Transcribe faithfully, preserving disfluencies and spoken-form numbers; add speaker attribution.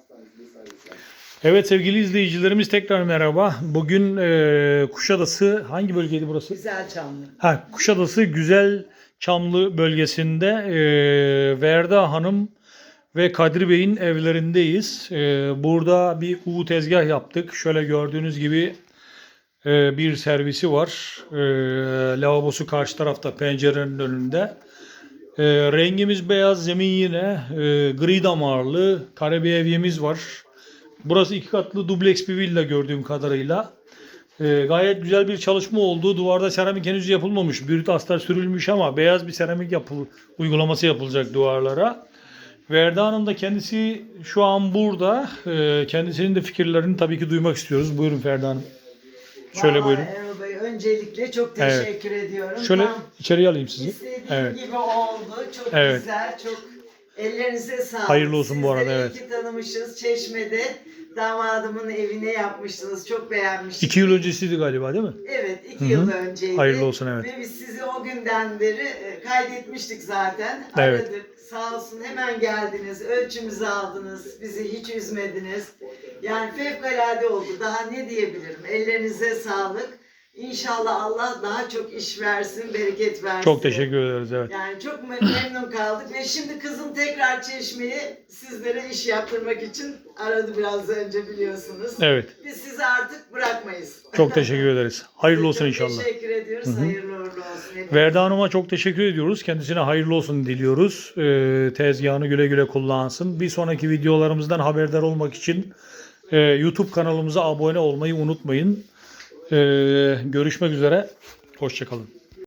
Speaker 1: Evet sevgili izleyicilerimiz tekrar merhaba. Bugün e, Kuşadası hangi bölgeydi burası?
Speaker 2: Güzelçamlı.
Speaker 1: Ha, Kuşadası Güzelçamlı bölgesinde e, Verda Hanım ve Kadri Bey'in evlerindeyiz. E, burada bir U tezgah yaptık. Şöyle gördüğünüz gibi e, bir servisi var. E, lavabosu karşı tarafta pencerenin önünde. E, rengimiz beyaz, zemin yine e, gri damarlı kare bir evyemiz var. Burası iki katlı dubleks bir villa gördüğüm kadarıyla. Ee, gayet güzel bir çalışma oldu. Duvarda seramik henüz yapılmamış. Brüt astar sürülmüş ama beyaz bir seramik yapıl uygulaması yapılacak duvarlara. Verda Hanım da kendisi şu an burada. Ee, kendisinin de fikirlerini tabii ki duymak istiyoruz. Buyurun Ferda Hanım. Şöyle
Speaker 2: Vallahi
Speaker 1: buyurun.
Speaker 2: Erol Bey, öncelikle çok
Speaker 1: Evet.
Speaker 2: teşekkür ediyorum.
Speaker 1: Şöyle
Speaker 2: Tam
Speaker 1: içeriye alayım sizi.
Speaker 2: istediğim
Speaker 1: Evet.
Speaker 2: gibi oldu. Çok
Speaker 1: Evet.
Speaker 2: güzel, çok ellerinize sağlık.
Speaker 1: Hayırlı olsun bu arada,
Speaker 2: Sizleri
Speaker 1: evet.
Speaker 2: iyi ki tanımışız. Çeşme'de damadımın evine yapmıştınız. Çok beğenmiştim.
Speaker 1: İki yıl öncesiydi galiba değil mi?
Speaker 2: Evet, iki
Speaker 1: Hı hı.
Speaker 2: yıl önceydi.
Speaker 1: Hayırlı olsun, evet.
Speaker 2: Ve biz sizi o günden beri e, kaydetmiştik zaten.
Speaker 1: Evet.
Speaker 2: Aradık. Sağ olsun hemen geldiniz. Ölçümüzü aldınız. Bizi hiç üzmediniz. Yani fevkalade oldu. Daha ne diyebilirim? Ellerinize sağlık. İnşallah Allah daha çok iş versin, bereket versin.
Speaker 1: Çok teşekkür ederiz, evet.
Speaker 2: Yani çok me- memnun kaldık ve şimdi kızım tekrar Çeşme'ye sizlere iş yaptırmak için aradı biraz önce biliyorsunuz.
Speaker 1: Evet.
Speaker 2: Biz sizi artık bırakmayız.
Speaker 1: Çok teşekkür ederiz. Hayırlı olsun
Speaker 2: Çok
Speaker 1: inşallah.
Speaker 2: teşekkür ediyoruz. Hayırlı uğurlu olsun. Hepinize.
Speaker 1: Verda Hanım'a çok teşekkür ediyoruz. Kendisine hayırlı olsun diliyoruz. Ee, tezgahını güle güle kullansın. Bir sonraki videolarımızdan haberdar olmak için e, YouTube kanalımıza abone olmayı unutmayın. Ee, görüşmek üzere. Hoşça kalın.